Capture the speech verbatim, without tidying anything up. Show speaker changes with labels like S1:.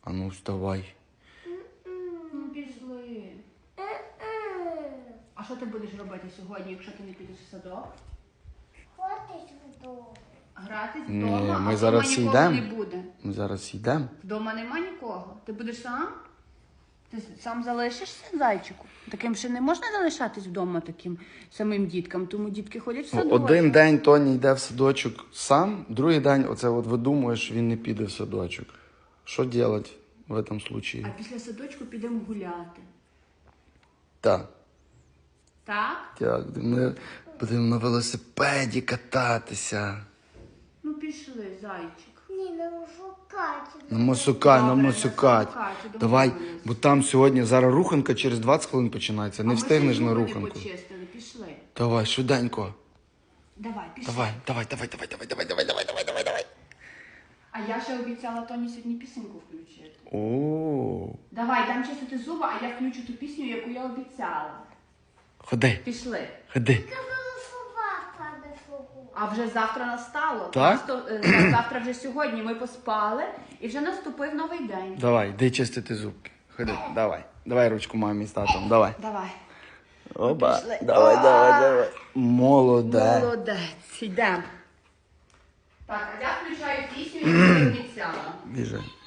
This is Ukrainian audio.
S1: А ну, вставай.
S2: Ну, пішли. А що ти будеш робити сьогодні, якщо ти не підеш в садок?
S3: Ходиш вдома.
S2: Гратись
S1: Ні,
S2: вдома,
S1: ми
S2: а
S1: зараз
S2: вдома нікого
S1: йдемо.
S2: не буде.
S1: Ми зараз йдемо.
S2: Вдома нема нікого. Ти будеш сам? Ти сам залишишся, зайчику? Таким ще не можна залишатись вдома таким самим діткам, тому дітки ходять в садок.
S1: Один день Тоні йде в садочок сам, другий день оце от видумуєш, що він не піде в садочок. Що робити в цьому випадку?
S2: А після садочку підемо гуляти.
S1: Так.
S2: Так?
S1: Так, будемо, будемо на велосипеді кататися.
S2: Ну пішли, зайчик.
S3: Ні, не шукати.
S1: На мосукай, на
S2: Добре,
S1: мосукать.
S2: на самокаті,
S1: Давай,
S2: домовились.
S1: бо там сьогодні зараз руханка через двадцять хвилин починається. Не
S2: А ми
S1: встигнеш
S2: ще
S1: на
S2: зуби не
S1: руханку.
S2: почистили, пішли.
S1: Давай, швиденько.
S2: Давай, пішли.
S1: Давай, давай, давай, давай, давай, давай, давай, давай, давай, давай, давай.
S2: А я ще обіцяла Тоні сьогодні пісеньку включити.
S1: О,
S2: Давай, дам чистити зуби, а я включу ту пісню, яку я обіцяла.
S1: ходи,
S2: Пішли.
S1: ходи.
S3: Собака не шукати.
S2: А вже завтра настало.
S1: Так?
S2: Просто, е, завтра вже сьогодні ми поспали і вже наступив новий день.
S1: Давай, йди чистити зубки. Ходи, давай. Давай ручку мамі з татом, давай.
S2: Давай.
S1: Оба,
S2: Пішли.
S1: давай,
S2: А!
S1: давай, давай. Молодець.
S2: Молодець. Йдемо. Так, а я включаю пісню, яку я обіцяла.
S1: Біжи.